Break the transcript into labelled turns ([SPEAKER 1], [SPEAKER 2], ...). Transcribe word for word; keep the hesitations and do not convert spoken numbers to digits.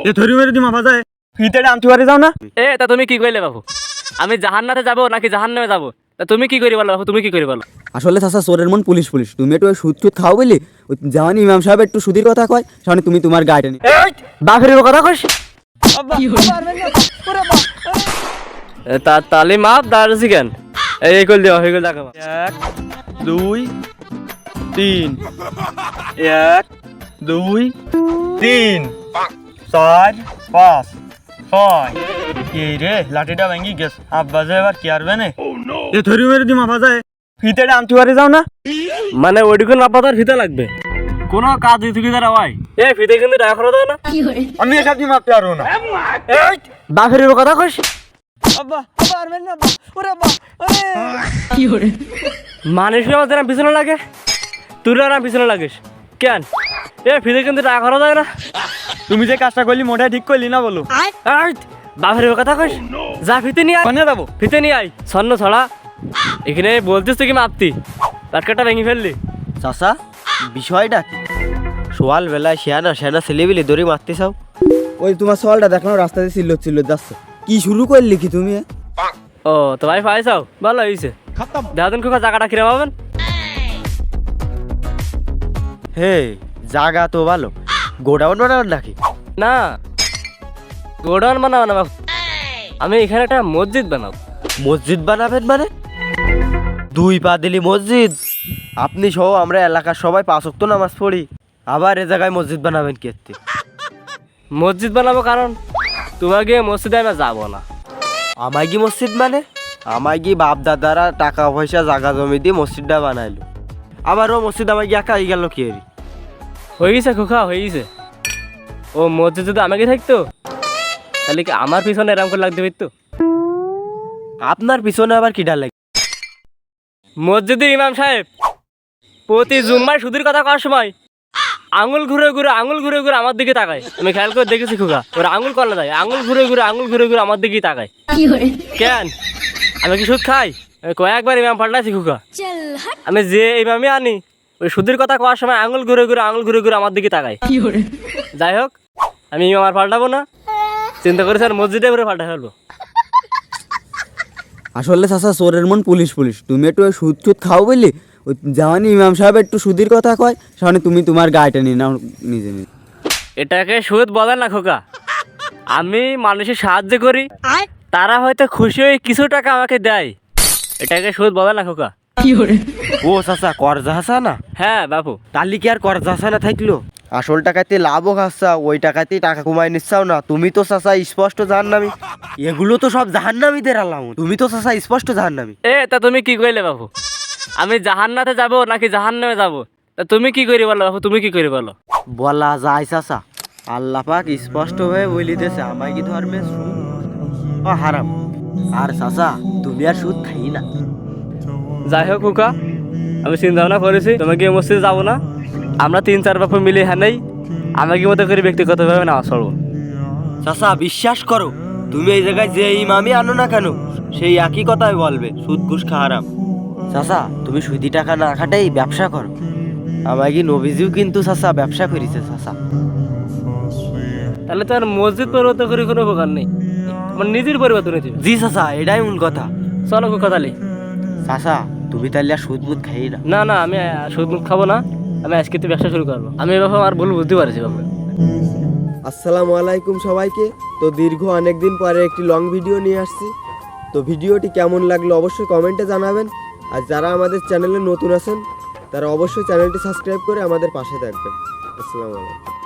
[SPEAKER 1] এ ধরি মেরে দি মাফা যায় ফিতেটা আনতে পারে যাও না।
[SPEAKER 2] এ তা তুমি কি কইলে বাবু? আমি জাহান্নাতে যাব নাকি জাহান্নামে যাব? তা তুমি কি করি বলো বাবু, তুমি কি করি বলো?
[SPEAKER 3] আসলে চাচা চোরের মন পুলিশ পুলিশ, তুমি একটু সুদ সুদ খাও বলি ওই জাহানি ইমাম সাহেব একটু সুদির কথা কয়, সামনে তুমি তোমার গাড়িটা নি
[SPEAKER 2] বাপের কথা কইস। তা তালি মাপ দাঁড়াচ্ছি কেন? এই কল দেওয়া হয়ে গেল দেখো।
[SPEAKER 1] এক দুই তিন, এক দুই তিন চার পাঁচ ছয়। এই রে লাঠিটা ভেঙে গেছ, আব্বা যে এবার কি আরবে না। এ ধরি মেরে দি মাফা যায় ফিতেটা আনতে পারে যাও না।
[SPEAKER 2] মানে ওইটুকুন মাপা তার ফিতে লাগবে, কোনো কাজ থেকে তারা হয়। এ ফিতে কিন্তু টাকা খরচ হয় না।
[SPEAKER 1] আমি এসব দিয়ে মাপতে পারবো না। এই
[SPEAKER 2] বাপের কথা কইস।
[SPEAKER 1] আব্বা আব্বা আরবেন না আব্বা, ওরে আব্বা ওরে।
[SPEAKER 2] মানুষ আমার যেন পিছনে লাগে, তুই না পিছনে লাগিস কেন? এ ফিতে কিন্তু টাকা খরচ হয় না।
[SPEAKER 1] তুমি যে কাজটা করলি মোটা ঠিক করলি না বলো।
[SPEAKER 2] এই, বাপের কথা কইস। যা ফিতে নিয়ে আয়,
[SPEAKER 1] কোনে যাবো?
[SPEAKER 2] ফিতে নিয়ে আয়। স্বর্ণ ছড়া এখানে বলতিস তুই কি মাপতি, পাটকাটা ভেঙে ফেললি।
[SPEAKER 4] চাচা বিষয়টা কি? সোয়াল বেলায় শেয়ানা শেয়ানা ছেলেবিলি দড়ি মারতে চাও?
[SPEAKER 3] ওই তোমার সওয়ালটা দেখলাম রাস্তাতে চিল্লো চিল্লো যাচ্ছে, কি শুরু করলি কি তুমি?
[SPEAKER 2] ও তো ভাই পাইছাও, ভালো হয়েছে। দেখাদিন খোকা জায়গাটা কিরম হবেন?
[SPEAKER 4] হে জাগা তো ভালো, গোডাউন বানাবেন নাকি?
[SPEAKER 2] না গোডাউন বানাবো না বাবু, আমি এখানে একটা মসজিদ বানাবো।
[SPEAKER 4] মসজিদ বানাবেন মানে? দুই পা দিলি মসজিদ? আপনি সহ আমরা এলাকার সবাই পাঁচ ওয়াক্ত নামাজ পড়ি, আবার এ জায়গায় মসজিদ বানাবেন কি?
[SPEAKER 2] মসজিদ বানাবো কারণ তোমাকে মসজিদে আমি যাবো না।
[SPEAKER 4] আমায় কি মসজিদ মানে? আমায় কি বাপ দাদারা টাকা পয়সা জাগা জমি দিয়ে মসজিদটা বানাইলো, আবার ও মসজিদ আমায় কি একা হয়ে গেল কি?
[SPEAKER 2] হয়ে গেছে খোকা, হয়ে গেছে। ও মসজিদ যদি আমাকে থাকতো তাহলে কি আমার পিছনে এরকম করে লাগতে পারতো?
[SPEAKER 4] আপনার পিছনে আবার কি ডাল লাগে?
[SPEAKER 2] মসজিদের ইমাম সাহেব প্রতি জুম্মায় সুদের কথা কওয়ার সময় আঙুল ঘুরে ঘুরে আঙুল ঘুরে ঘুরে আমার দিকে তাকায়। আমি খেয়াল করে দেখেছি খোকা, ওরা আঙুল কলা যায়, আঙুল ঘুরে ঘুরে আঙুল ঘুরে ঘুরে আমার দিকেই তাকায়। কেন আমি কি সুদ খাই? আমি কয়েকবার ইমাম পাল্টাইছি খোকা। আমি যে ইমামই আনি ওই সুদের কথা কওয়ার সময় আঙুল ঘুরে ঘুরে আঙুল ঘুরে ঘুরে আমার দিকে তাকায়। যাই হোক আমি ইমাম আর পাল্টাবো না, চিন্তা করেছি আর মসজিদে করে পাল্টা ফেলবো।
[SPEAKER 3] আসলে চাচা চোরের মন পুলিশ পুলিশ, তুমি একটু সুদ সুদ খাও বলি ওই জাহানি ইমাম সাহেব একটু সুদির কথা কয়, সামনে তুমি তোমার গাড়িটা নিয়ে নাও নিজে নিজে।
[SPEAKER 2] এটাকে সুদ বলে না খোকা, আমি মানুষের সাহায্য করি, তারা হয়তো খুশি হয়ে কিছু টাকা আমাকে দেয়, এটাকে সুদ বলে না খোকা।
[SPEAKER 4] ও চাচা করজা হাসা না?
[SPEAKER 2] হ্যাঁ বাবু।
[SPEAKER 4] তালি কি আর করজা হাসা না থাকলো? আসল টাকাতে লাভও খাচ্ছা, ওই টাকাতেই টাকা কমাই নিচ্ছাও না। তুমি তো চাচা স্পষ্ট জাহান্নামী, এগুলো তো সব জাহান্নামীদের আলামত। তুমি তো চাচা স্পষ্ট জাহান্নামী।
[SPEAKER 2] এ তা তুমি কি কইলে বাবু? আমি জাহান্নাতে যাব নাকি জাহান্নামে যাব? তা তুমি কি করি বলো বাবু, তুমি কি করি বলো?
[SPEAKER 4] বলা যায় চাচা, আল্লাহ পাক স্পষ্ট হয়ে বলিতেছে আমায় কি ধর্মে সুদ ও হারাম। আর চাচা তুমি আর সুদ খাই না।
[SPEAKER 2] যাই হোক খোকা, আমি চিন্তা ভাবনা করেছি তোমাকে মসজিদে যাবো না, আমরা তিন চার বাপু মিলে হ্যাঁ নেই আমাকে মতো করে ব্যক্তিগতভাবে নামাজ পড়বো।
[SPEAKER 4] চাচা বিশ্বাস করো, তুমি এই জায়গায় যে ইমামই আনো না কেন সেই একই কথাই বলবে সুদ ঘুষ খা হারাম। চাচা তুমি সুদি টাকা না খাটাই ব্যবসা করো। আমায় কি নবীজিও কিন্তু চাচা ব্যবসা করেছে চাচা।
[SPEAKER 2] তাহলে তো আর মসজিদ পরিবর্তন করে কোনো উপকার নেই, আমার নিজের পরিবর্তন হয়েছে।
[SPEAKER 4] জি চাচা এটাই মূল কথা।
[SPEAKER 2] চলো খোকা তাহলে।
[SPEAKER 4] চাচা তুমি তাহলে আর সুদ মুদ খাই না?
[SPEAKER 2] না না আমি সুদ মুখ খাবো না, আমি আজকে তো ব্যবসা শুরু করবো। আমি এবার আমার ভুল বুঝতে পারছি বাবু।
[SPEAKER 3] আসসালামু আলাইকুম সবাইকে। তো দীর্ঘ অনেক দিন পরে একটি লং ভিডিও নিয়ে আসছি, তো ভিডিওটি কেমন লাগলো অবশ্যই কমেন্টে জানাবেন। আর যারা আমাদের চ্যানেলে নতুন আছেন তারা অবশ্যই চ্যানেলটি সাবস্ক্রাইব করে আমাদের পাশে থাকবেন। আসসালামু আলাইকুম।